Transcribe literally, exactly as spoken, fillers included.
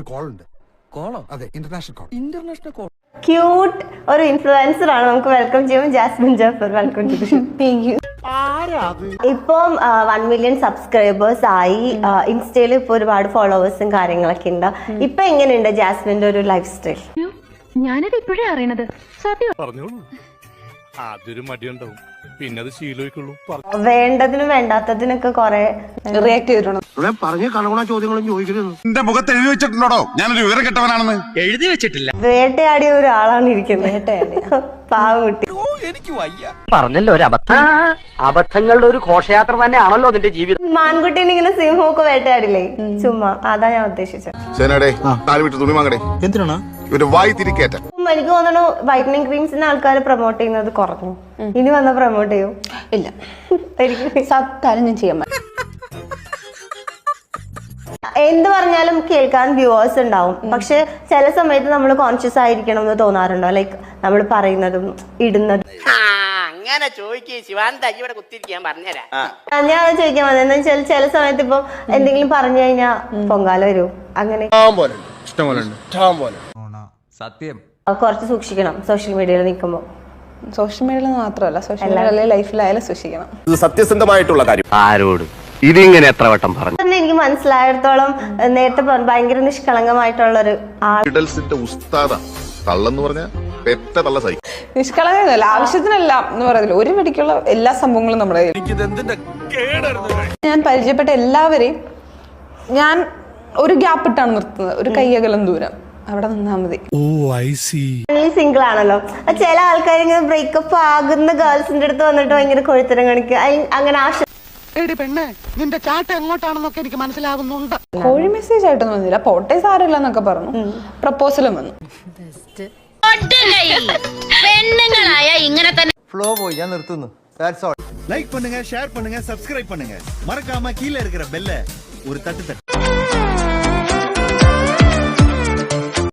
Call ഉണ്ട്. കോളോ? അതെ, international call. International call. Cute ഒരു ഇൻഫ്ലുവൻസർ ആണ്. നമുക്ക് വെൽക്കം ചെയ്യും Jasmin Jaffar. Welcome to the show. Thank you. ഇപ്പം വൺ മില്യൺ സബ്സ്ക്രൈബേഴ്സ് ആയി. ഇൻസ്റ്റയിൽ ഇപ്പൊ ഒരുപാട് ഫോളോവേഴ്സും കാര്യങ്ങളൊക്കെ ഉണ്ട്. ഇപ്പൊ എങ്ങനെയുണ്ട് ജാസ്മിന്റെ ഒരു ലൈഫ് സ്റ്റൈൽ? ഞാനത് ഇപ്പോഴേ അറിയണത്. സത്യം പറഞ്ഞോളൂ. ആദ്യൊരു മടിയുണ്ടാവും, പിന്നെ അത് ശീലമായിക്കുള്ളൂ. വേണ്ടതിനും വേണ്ടാത്തതിനൊക്കെ കൊറേ റിയാക്ട് ചെയ്തിട്ടുണ്ട്. പറഞ്ഞ കണകുണ ചോദ്യങ്ങളും ചോദിക്കരുത്. എന്റെ മുഖത്ത് എഴുതി വെച്ചിട്ടുണ്ടോ ഞാനൊരു വിവരം കെട്ടവനാണെന്ന്? എഴുതി വെച്ചിട്ടില്ല. വേട്ടയാടിയ ഒരാളാണ് ഇരിക്കുന്നത്. വേട്ടയാടി പാവകുട്ടി. പറഞ്ഞല്ലോ ഒരു അബദ്ധം. അബദ്ധങ്ങളുടെ ഒരു ഘോഷയാത്ര തന്നെയാണല്ലോ അതിന്റെ ജീവിതം. മാൻകുട്ടീനെ ഇങ്ങനെ സിംഹമൊക്കെ വേട്ടയാടില്ലേ, ചുമ്മാ അതാ ഞാൻ ഉദ്ദേശിച്ചത്. തുണി വാങ്ങടേ. എന്തിനാണ് ഇവര് വായി തിരിക്കേറ്റ. എനിക്ക് തോന്നുന്നു വൈറ്റനിങ് ക്രീംസിന് ആൾക്കാർ പ്രൊമോട്ട് ചെയ്യുന്നത് കുറഞ്ഞു. ഇനി വന്ന പ്രൊമോട്ട് ചെയ്യും? ഇല്ല, എനിക്ക് സത്താലും ഞാൻ ചെയ്യാൻ പറ്റും. എന്ത് പറഞ്ഞാലും കേൾക്കാൻ വ്യൂവേഴ്സ് ഉണ്ടാവും. പക്ഷെ ചില സമയത്ത് നമ്മൾ കോൺഷ്യസ് ആയിരിക്കണം എന്ന് തോന്നാറുണ്ടോ? ലൈക്ക് നമ്മൾ പറയുന്നതും ഇടുന്നതും. അങ്ങനെ ചോദിക്കേ ശിവാനന്ദ ഇവിടെ കുത്തിരിക്കാൻ പറഞ്ഞുതരാം. ഞാൻ അത് ചോദിക്കാൻ വന്നത് എന്താ വെച്ചാൽ ചില സമയത്ത് ഇപ്പൊ എന്തെങ്കിലും പറഞ്ഞു കഴിഞ്ഞാൽ പൊങ്കാല വരും. അങ്ങനെ സത്യം കുറച്ച് സൂക്ഷിക്കണം സോഷ്യൽ മീഡിയയിൽ നിൽക്കുമ്പോൾ. സോഷ്യൽ മീഡിയയിൽ മാത്രമല്ല, സോഷ്യൽ മീഡിയ ലൈഫിലായാലും സൂക്ഷിക്കണം. ഇത് സത്യസന്ധമായിട്ടുള്ള കാര്യം. ആരോട് ഇതിങ്ങനെ എത്ര വട്ടം പറഞ്ഞു? എനിക്ക് മനസ്സിലായിടത്തോളം നേരത്തെ ഭയങ്കര നിഷ്കളങ്കമായിട്ടുള്ള ഒരു ആൾ. ഉസ്താദ തള്ളെന്ന് പറഞ്ഞ പെറ്റ തള്ള സൈ. നിഷ്കളങ്കല്ല, ആവശ്യത്തിനല്ല എന്ന് പറയത്തില്ല. ഒരു വെടിക്കുള്ള എല്ലാ സംഭവങ്ങളും നമ്മുടെ ഞാൻ പരിചയപ്പെട്ട എല്ലാവരെയും ഞാൻ ഒരു ഗ്യാപ്പ് ഇട്ടാണ് നിർത്തുന്നത്. ഒരു കയ്യകലം ദൂരം അവിടെ നിന്നാ മതി. സിംഗിൾ ആണല്ലോ. ചില ആൾക്കാർ ഇങ്ങനെ ബ്രേക്കപ്പ് ആകുന്ന ഗേൾസിന്റെ അടുത്ത് വന്നിട്ട് ഭയങ്കര കൊഴുത്തരം കാണിക്കുക. അങ്ങനെ ആശ പെണ്ണെ നിന്റെ ചാട്ട എങ്ങോട്ടാണെന്നൊക്കെ എനിക്ക് മനസ്സിലാകുന്നുണ്ട്. കോഴി മെസ്സേജ് ആയിട്ടൊന്നും വന്നില്ല. പോട്ടെ സാരമില്ല എന്നൊക്കെ പറഞ്ഞു. പ്രപ്പോസലും വന്നു. പെണ്ണുങ്ങളായ ഇങ്ങനെ തന്നെ ഫ്ലോ പോയി, ഞാൻ നിർത്തുന്നു. லைக் பண்ணுங்க, ஷேர் பண்ணுங்க, சப்ஸ்கிரைப் பண்ணுங்க. மறக்காம கீழே இருக்கிற பெல்ல ஒரு தட்டு தட்டு.